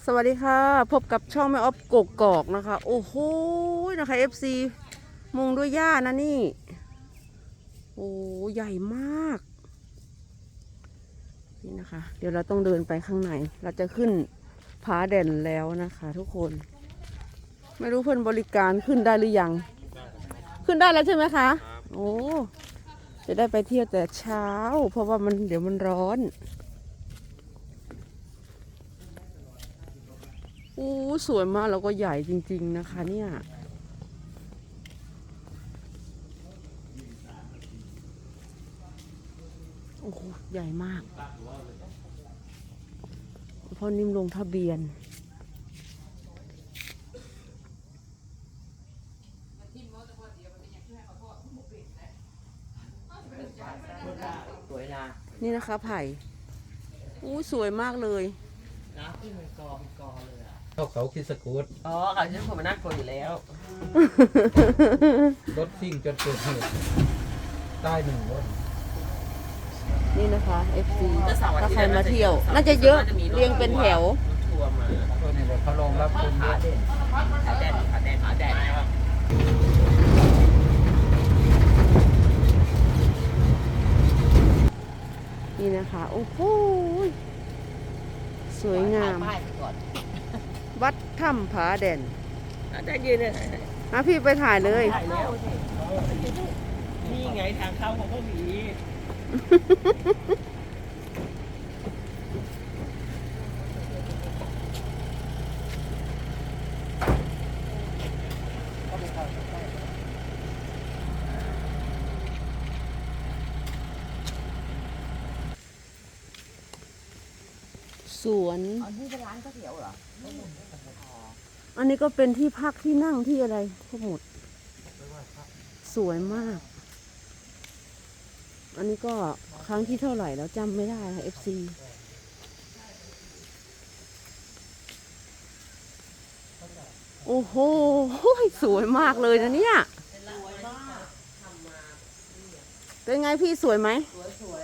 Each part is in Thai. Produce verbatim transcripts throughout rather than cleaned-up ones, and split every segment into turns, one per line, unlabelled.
สวัสดีค่ะพบกับช่องแม่ออฟกกอกนะคะโอ้โหนะคะ เอฟ ซี มุงด้วยหญ้านะนี่โอ้ใหญ่มากนี่นะคะเดี๋ยวเราต้องเดินไปข้างในเราจะขึ้นผาเด่นแล้วนะคะทุกคนไม่รู้เพื่อนบริการขึ้นได้หรือยังขึ้นได้แล้วใช่ไหมคะโอ้จะได้ไปเที่ยวแต่เช้าเพราะว่ามันเดี๋ยวมันร้อนโอ้สวยมากแล้วก็ใหญ่จริงๆนะคะเนี่ยโอ้โหใหญ่มากพอนิ่มลงทะเบียน
สวยนะ
นี่นะคะไผ่อู้สวยมากเลย
น้ำขึ้นเป็นกอเป็นกอเลยอ่ะ
เข้าเขาคิดสกูต
อ๋อเขาฉันผมมันน่ากลัวอยู่แล้ว
รถซิ่งจนเกิดเหตุใต้หนึ่งรถ
นี่นะคะ เอฟ ซี ถ้าใครมาเที่ยว น่าจะเยอะเรียงเป็นแถว
ทัวร์มา
ตัวนี้เลยเขาลงรับคนเย
ขา
อะ
เด่นขาแดนขาแดนขาแดนนะครับ
นี่นะคะโอ้โหสวยงาม
ป้ายไปก่อน
วัดถ้ำผาแด่น
ได้ยืนเลย
มาพี่ไปถ่ายเลย
ถ่ายแล้วนี่ไงทางเข้าของเขาหมี
สวน
อันนี้เป็นร้านก๋วยเตี๋ยวเหรอ
อันนี้ก็เป็นที่พักที่นั่งที่อะไรทั้งหมดสวยมาก อันนี้ก็ครั้งที่เท่าไหร่แล้วจำไม่ได้ค่ะ เอฟ ซี โอ้โหสวยมากเลยนะเนี่ยเป็นไงพี่สวยไหมสวย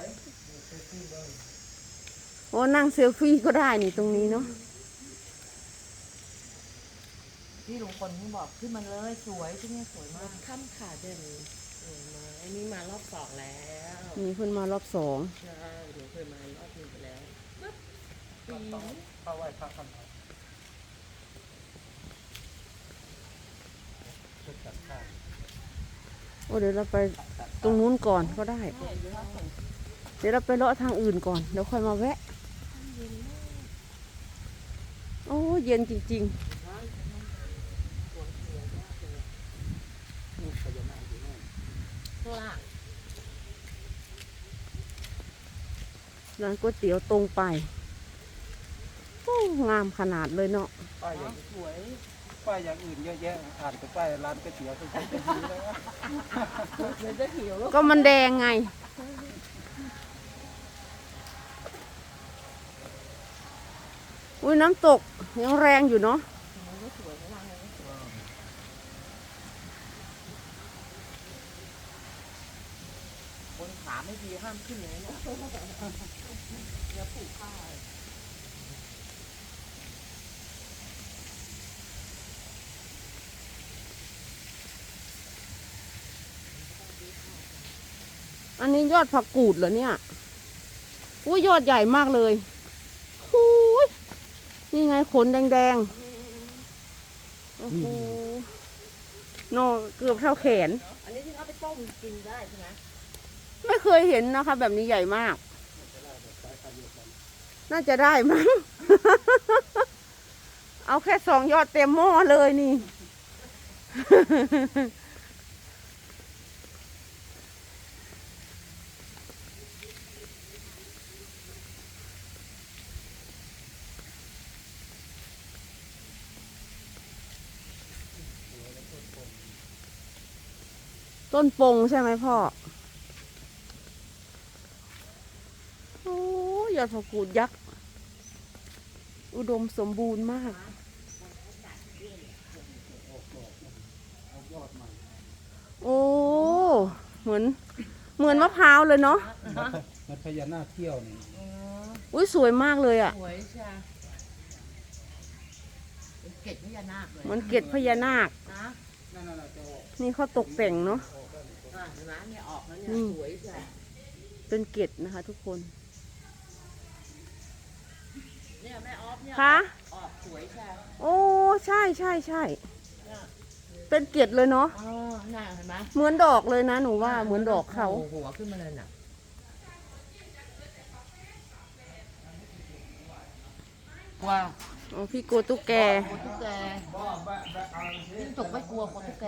โอ้นั่งเซลฟี่ก็ได้นี่ตรงนี้เนาะ
ที่ลุงพลที่บอกขึ้นมาเลยสวยที่นี่สวยมากข้ามขาเด่นสวยมากอันนี้มารอบสองแล้ว
นี่เพิ่นมารอบสอง
ใช่หนูเคยมารอบหนึงไปแล้วปี
เข้าไหว้พระกันชุดจัดข้าว
โอ้เดี๋ยวเราไปตรงนู้นก่อนก็ได้เดี๋ยวเราไปเลาะทางอื่นก่อนเดี๋ยวค่อยมาแวะโอ้เย็นจริงๆร้านก๋วยเตี๋ยวตรงไปโอ้งามขนาดเลยเนาะ
ป้ายอย่างสวยป้ายอย่างอื่นเยอะแยะอ่านแต่ป้ายร้านก๋วยเตี๋ยวเป็นคนจะหิวเลยว่า
เลยจะหิวแล้ว
ก็มันแดงไงอุ้ยน้ำตกยังแรงอยู่เนาะ
คนขาไม่ดีห้ามขึ้นเลยเนี่ยอย่าผูกผ้า
อันนี้ยอดผักกูดเหรอเนี่ยอุ้ยยอดใหญ่มากเลยหูยนี่ไงขนแดงๆโอ้โหโนเกือบเท่าแขน
อันนี้ที่เขาไปต้มกินได้ใช่ไหม
ไม่เคยเห็นนะคะแบบนี้ใหญ่มากน่าจะได้มั้ง เอาแค่สองยอดเต็มหม้อเลยนี่ ต้นปงใช่ไหมพ่อโอ้ยอดผักกูดยักษ์อุดมสมบูรณ์มากโอ้เหมือนเหมือนมะพร้าวเลยเนาะ
มันพญานาคเที่ยวนี่
อุ้ยสวยมากเลยอ่ะ
สวยใช่เกศพญานาคเลย
เหมือนเกล็ดพญานาค
นะ
นั่นน่ะจะออก
นี่เขาตกแต่งเนาะ
อ่ะเห็นไหมเนี่ยออกแล้วเนี่ย
นี่
สวยจ้ะ
เป็นเกล็ดนะคะ ทุกคน
เนี่ยแม่ออฟเนี่ย
คะ
ออกสวยจ้ะ
โอ้ใช่ใช่ใช่
เนี่ย
เป็นเกล็ดเลยเนาะ
อ๋อน่าเห็นไหม
เหมือนดอกเลยนะหนูว่าเหมือนดอกเขา
โหัวขึ้นมาเลยน่ะว่า
อ๋อพี่กลัวตุ๊กแก
กลัวตุ๊กแกยิ่งตกไม่กลัวกลัวตุ๊กแก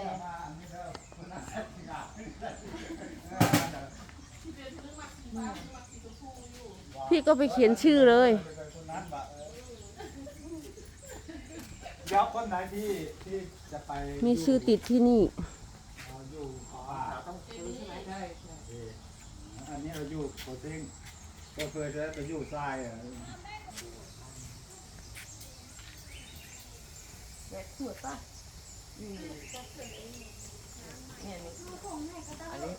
พี่ก็ไปเขียนชื่อเลย
เดี๋ยวคนไหนที่ที่จะไป
มีชื่อติดที่นี่
เอาอยู่ป่า
ต้องซื้อใช่ไหมใช่ใช่
อันนี้เราอยู่โคเซ้งก็เคยจะไปอยู่ทรายอ่ะ
เด็กสวยป่ะอืมเนี่ยนี่อันนี้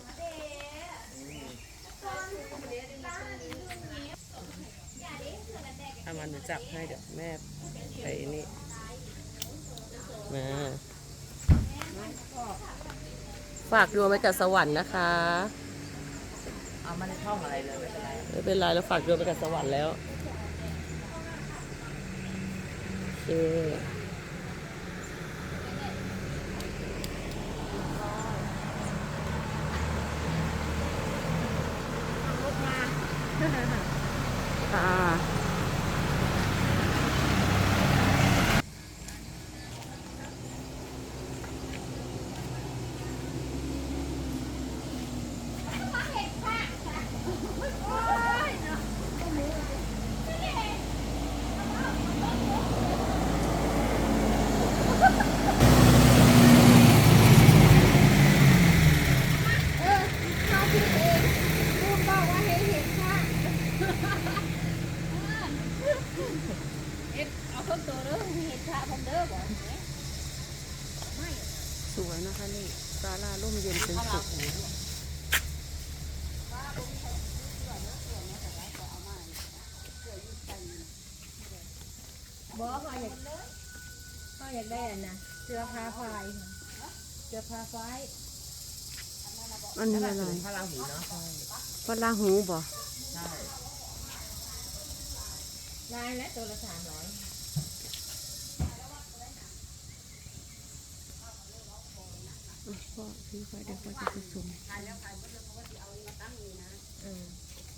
ถ้ามันจับให้เดี๋ยวแม่ไปนี่มาฝากดวงไว้กับสวรรค์นะคะเอามาในช่องอะไรเลยไม่เป็นไร
ไม่เป็นไรเราฝากดวงไปกับสวรรค์แล้วโอเคค่ะสวยนะคะนี่ศาลาร่มเย็นเป็นสุข
บอกเขาอยากเขาอยากได้อันนะเสื้อผ้าไฟเสื้อผ้าไฟ
อันนี้อะไร
พระราหูเนาะใช่
พระราหูบ่
ใช่
ลายและตัวละสามร้อย
อ่ะพ่อซื้อไปเดี๋ยวพ่อจะไปส่ง
อืม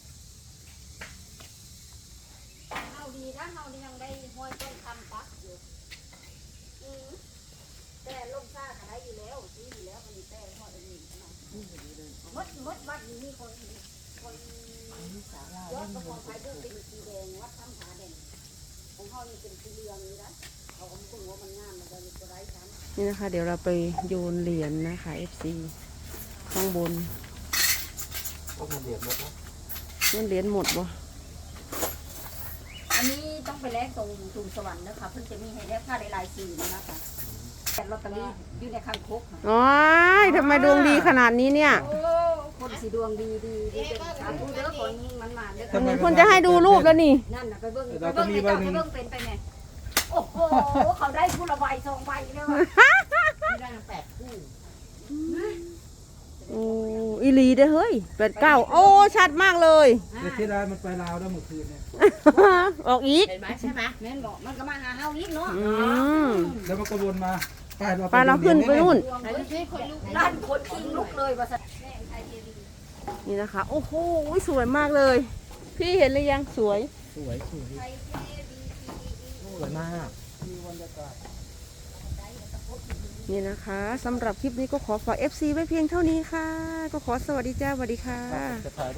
เฮาดีนะเฮานี่ยังได้ห้อยต้นคำปักอยู่อืมแต่ลมซ่าก็ได้อยู่แล้วดีอยู่แล้วมันมีแต่ห้อยอันนี้ขนาดมดมดวัดนี้มีคนคนยอดกระพงไฟเรื่องเป็นสีแดงวัดถ้ำผาแดงของเฮานี่เป็นสีเหลืองนี่นะเขาก็ไม่รู้ว่ามันงามมันจะมีตัวไรซ้ำ
นี่นะคะ เดี๋ยวเราไปโยนเหรียญนะคะ เอฟ ซี ข้างบน
พวกมันเดือดหมดนะ
เงินเหรียญหมดบ่
อันนี้ต้องไปแลกตรงถุงสวรรค์นะคะเพิ่งจะมีให้แลกผ้าได้ลายสีนะคะแต่ลอตเตอรี่อยู่ในคางคกค่ะ
อ๋อยทำไมดวงดีขนาดนี้เนี่ย
โอ้คนสีดวงดีดีดีเป็นสาธุเด้อคนมันมาเด้อ
อืมคนจะให้ดูรูปแล้วนี่
นั่นน่ะไปเบิ่งไปเบิ่งในเจ้าไปเบิ่งเป็นไปไงโอ้โหเขาได้คู่ละใบสองใบเลยว่ะ
ที่ได้แปดคู่
โอ้อีหลีเด้อเฮ้ยแปดเก้าโอ้ ชัดมากเลย
แต่ที่ได้มันไปลาวได้เมื่อคืนเนี่ย
ออกอีก
เห็นไหมใช่ไหม
แม่นบอกมันก็มาหาเฮาอีกเนาะ
อืม
แล้วมันก็วนมาไปเรา
ไปเราขึ้นไปนู่น
ไหนดูสิคนลุกด้านคนคิงลุกเลยว่าสัตว์
นี่นะคะ โอ้โห สวยมากเลย พี่เห็นหรือยังสวย
สวยสวยสวยมาก
นี่นะคะสำหรับคลิปนี้ก็ขอฝาก เอฟ ซี ไว้เพียงเท่านี้ค่ะ ก็ขอสวัสดีจ้าสวัสดีค่ะ
จะถ่าย